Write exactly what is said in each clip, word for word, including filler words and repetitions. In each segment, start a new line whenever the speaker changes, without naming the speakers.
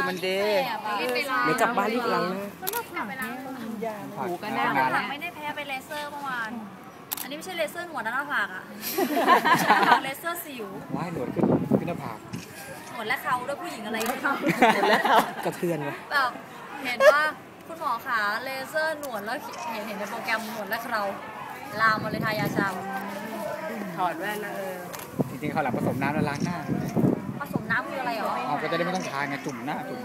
มันดี
เดี๋ยวกลับบ้านรีบล้างนะ
หูกันแน่หลังไม่ได้แพ้ไปเลเซอร์เมื่อวานอันนี้ไม่ใช่เลเซอร์หนวดนะหน้าผากอะเลเซอร์สิว
ว่ายหนวดขึ้นขึ้นหน้าผาก
หนวดและเขาด้วยผู้หญิงอะไรหนว
ดและเขากระเทือนวะ
แบบเห็นว่าคุณหมอขาเลเซอร์หนวดแล้วเห็นเห็นในโปรแกรมหนวดและเราลามมาเลยทายาชา
ถอดแว่นนะเออ
จริงๆเขาหลับผสมน้ำแล้วล้างหน้า
ผสมน้ำคืออะไรหรอ
อ๋อก็จะได้ไม่ต้องทาไงจุ่มหน้าจุ่ม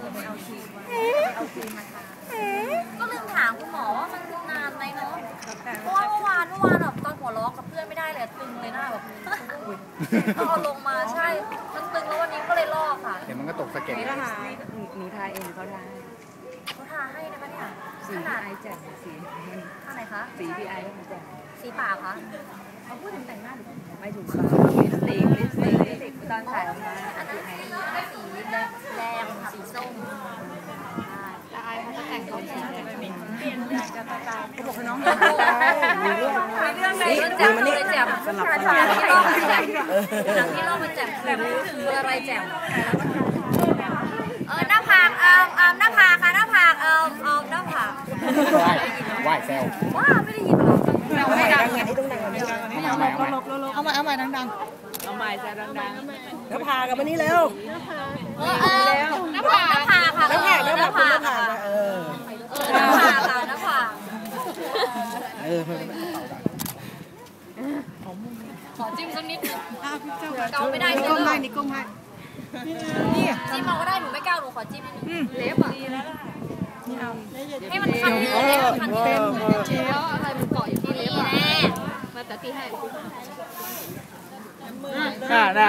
ก็ลืมถามคุณหมอว่ามันนานไหมเนาะเพราะว่าเมื่อวานเมื่อวานแบบตอนหัวล้อกับเพื่อนไม่ได้เลยตึงเลยหน้าแบบเอาลงมาใช่มันตึงแล้ววันนี้ก็เลยลอกค่ะ
เดี๋ยวมันก็ตกสะเก็ด
นี่นะคะหนูทาเองเขาทา
เขาทาให้นะคะเนี่ย
สีพี่ไอแจ่มสี
อะไรคะ
สีพี่ไอแจ่ม
สีปากคะ
เขาพูดถึงแต่งหน้าหรือไม่ถูกปากลิปสติกลิปสติกลิปสติกตอนถ่ายออกมา
อันนั้นสีสีแดงสีส้มแล้วไอเขาจะแต่งตัวสีเปลี่ยนแปลงกันตามเขาบอกให้น้องมีเรื่องมีเรื่องไหนแจ่มเลยแจ่มสลับสลับที่รอบมันแจ่มหนังที่รอบมันแจ่มคืออะไรแจ่มเออหน้าผากเออเออหน้าผากค่ะหน้าผากเออเออหน้าผาก
ว่ายแซว
ว้าไม่ได้ยินหรอ
ไม่ดังไงที่ต้องดัง
เอาใหม่เอาใหม่
เอาใหม่เอาใหม่ดัง
ๆเอาใหม่แซวดังๆแล้วพากันมานี่เร็ว
เออเออหน้าผากหน้าผากค่ะหน้าผากหน้าผาก
เออ
เออหน้าผากค่ะหน้าผาก
เออ
ขอจิ้มสักนิดนึงเกาไม่ได้ใช่ไหมนี่ก้มให้นี่จิ้มเอาก็ได้หนูไม่กล้าหนูขอจิ้มนิดนึงเล็บอ่ะให้มันคันนิดนึงคันนิดนึงแล้วอะไรมันเกาะอยู่ที่เล็บอ่ะมาแต่ตีให้
ค่ะนะ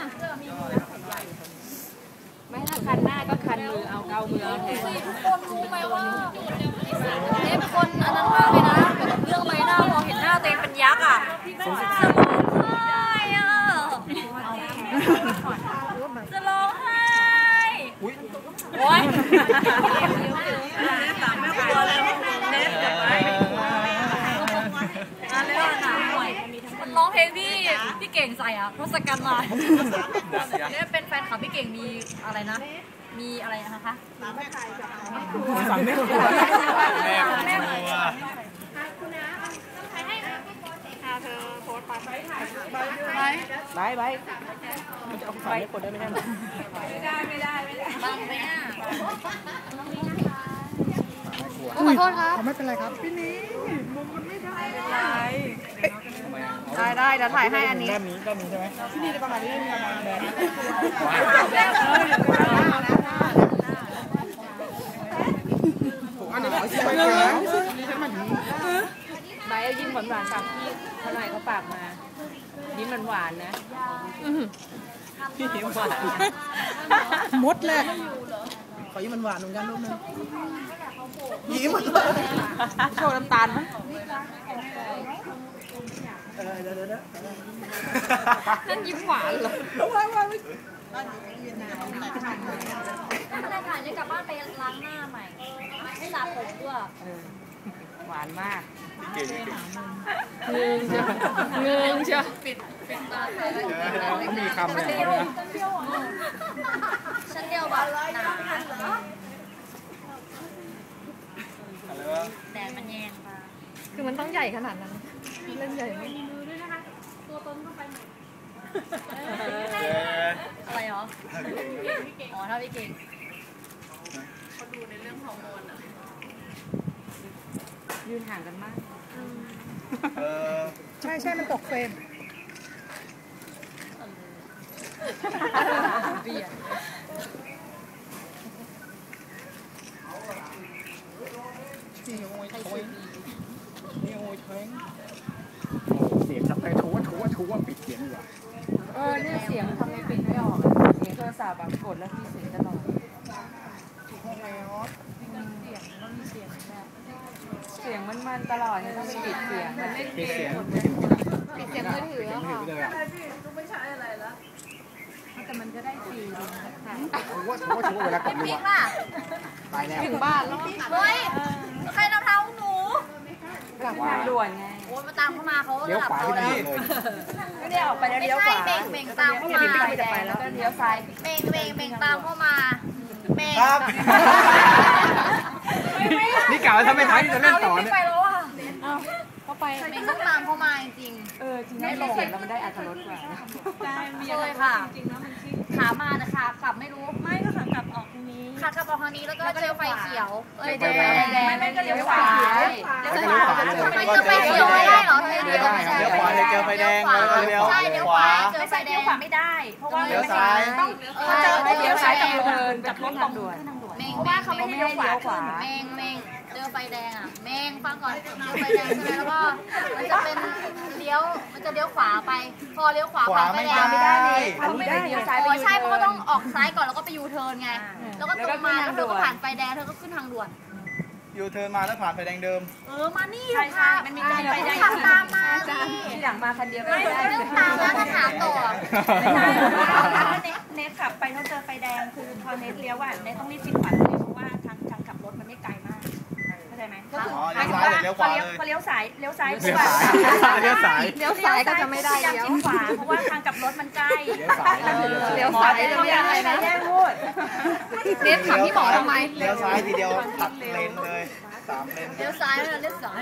ไม่ถ้าคันหน้าก็คันมือเอาเกามือเอาแทนทุกคนรู้ไหมว่าเล็บคนอันนั้นมากเลยนะแบบเรื่องใบหน้าพอเห็นหน้าตัวเองเป็นยักษ์อ่ะจะร้องไห้โอ๊ยสามไม่กลัวเลยเน็ตจะไปอะไรวะหนาหน่อยมันร้องเพลงพี่พี่เก่งใส่อ่ะทศกัณฐ์มาเนี่ยเป็นแฟนคลับพี่เก่งมีอะไรนะมีอะไรนะคะสามแม่ไก่
สามแม่ครัวแม่ครัว
คุณน้าใครให้เธอโพสต์ไปถ่าย
ไปไปมันจะเอาไปกดได้ไหมเนี่ย
ไม่ได้ไม่ได้ไม่ได้บังไหมอ่ะขอโทษครับ
ไม่เป็นไรครับพี่นี้มุมมันไม่ได้
ได้ได้เดี๋ยวถ่ายให้อันนี้
ด้านนี้ด้านนี้ใช่ไหม
พี่นี่จะประมาณนี้ประมาณแบบ
อันนี้ขอชิมไปแล้ว
ใบยิ้มหวานหวานจากพี่เขาหน่อยเขาปากมายิ้มหวานนะ
ยิ้มหวาน
มดเลยขอยิ้มหวานเหมือนกันลูกนึงยิ้มโชว์น้ำตาลไหมเออเดี๋ยวเดี๋ยว
นั่นยิ้มหวานเหรอ
ว้าวว้าวไม่
ได้ถ่ายจะกลับบ้านไปล้างหน้าใหม่ให้สระผมด้วย
หวานมาก
เก่ง
เงงเชียวเงงเชียว
ปิดปิดตา
เขามีคำเลยนะ
ฉันเดียวแบบหนาแดดมันแยงมา
คือมันต้องใหญ่ขนาดนั้นเล่นใหญ่ไหม
มือด้วยนะคะตัวตนก็ไปหมดอะไรหรออ๋อถ้าพี่เก่งเขาดูในเรื่องฮอร์โมนอะ
ยืนห่างกันมาก
ใช่ใช่มันตกเฟรม
เบียด
นี่โอยโอยนี่โอยแทงเสียงทำไมทัวทัวทัวปิดเสียงดีกว่า
เออเนี่ยเสียงทำไมปิดไม่ออกเสียงโทรศัพท์แบบกดแล้วมีเสียงตลอดเสียงมันมันตลอดเนี่ยต้องปิดเสียงมันเล่นเกมปิดเสียงมือถือค่ะไม่ใช่อะไรแล้วแต่มันก็ได้ฟีลค่ะ
ทัวทัวทัวเวลากดรัวตายแล้ว
ถึงบ้านแล้ว
เฮ้ยใครนำเท้าหนู
กลับทางด่วนไง
โอ้ยมาตามเข้ามาเขา
เลี้ยวขวาที่ไหนเลย
ไม่ได้ออกไปแล้วเลี้ยวขวา
เบ่งเบ่งตามเข้ามา
จะไปแล้วก็เลี้ยวซ้าย
เบ่งเบ่งเบ่งตามเข้ามาแม่
ครับ
นี่กล่าวถ้าไม่ทันจะเล่นต่อเนี่ย
ไปแล้วอ่ะ
เข้าไป
เมงต้องตามเข้ามาจริง
เออจริงได้เสียงแล้วมันได้อัตรสกว่า
ๆเคยค่ะขามาแต่ขากลับไม่รู้ไม่ก็ขากลับออกทางนี้ขากลับออกทางนี้แล้วก็เจอไฟเขียวเอ้ยเจอไฟแดงไม่ก็เลี้ยวขวาเลี้ยวขวาทำไมเจอไฟเขียวไม่ได้เหรอเลี้ยวขวา
เลี้ยวขวาเลยเจอไฟแดงแล้วก็เลี้ยว
ใช่เลี้ยวขวาเจอไฟแดงไม่ได้เพราะว่า
เลี้ยวซ้าย
ต้องเจอ
เลี้ยวซ้ายกับเดินกับรถตำรวจ
เมงเพราะว่าเขาไม่ให้เลี้ยวขวาขึ้นเมงเมงเจอไฟแดงอ่ะเมงฟังก่อนเจอไฟแดงใช่ไหมแล้วก็มันจะเป็นเลี้ยวมันจะเลี้ยวขวาไป พอเลี้ยวขวา
ขวา
ผ่านไฟ
ไม่
แด
ได้
ง
อันนี้ได้เลี้ยวซ้าย
อ๋
ไป
อใช่เพราะว่าต้องออกซ้ายก่อนแล้วก็ไปยูเทิร์นไง แล้วก็ตรงมาแล้วเธอก็ผ่านไฟแดงเธอก็ขึ้นทางด่วน
ยูเทิร์นมาแล้วผ่านไฟแดงเดิม
เออมานี่อยู่ค่ะมันมีไฟแดงขับตามมาสิ
ที่หลังมาคันเดียวไม่
ไม่
ได้
เรื่องตามแล้วก็ถามต่อ
ไม่ใช่ถ้าเน็ตเน็ตขับไปต้องเจอไฟแดงคือพอเน็ตเลี้ยวอ่ะเน็ตต้องรีบชิดขวาเลยเพราะว่าทางทางขับรถมันไม่ไกลมากเข้าใจไหมก็คือ
อ๋อ
หมายถึง
เลี้ยว
ว่า
ซ้ายหรือ
พอ
เลี้
เลี้
ย
ยว ว
ขวา
พอเลี้ยวซ้ายเลี้ยวซ้าย
เลี้ยวซ้ายเลี้ยวซ้าย
เลี้ยวซ้ายก็จะไม่ได้
พยายาม
เลี้ยว
ชิดขวาเพราะว่าทางกลับรถมันใกล้
เลี้ยวซ้าย
เลี้ยวซ้ายจะไม่ได้นะแย่งพูดเน็ตถามพี่หมอทำไม
เลี้ยวซ้ายทีเดียวตัดเลนเลยสามเลน
เลี้ยวซ้ายแล้วเลี้ยวซ้าย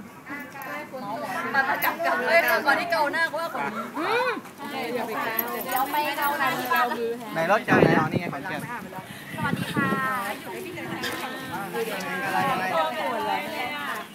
มาจับกันเลยก่อนที่เกาหน้าก็ว่าคนเดี๋ยวไปเดี๋ยวไปเกาหน้าที่บ้าน
ในรถจอดไหนอ๋อนี่ไงขอนแก่น
สวัสดีค่ะ
อะไรอะไร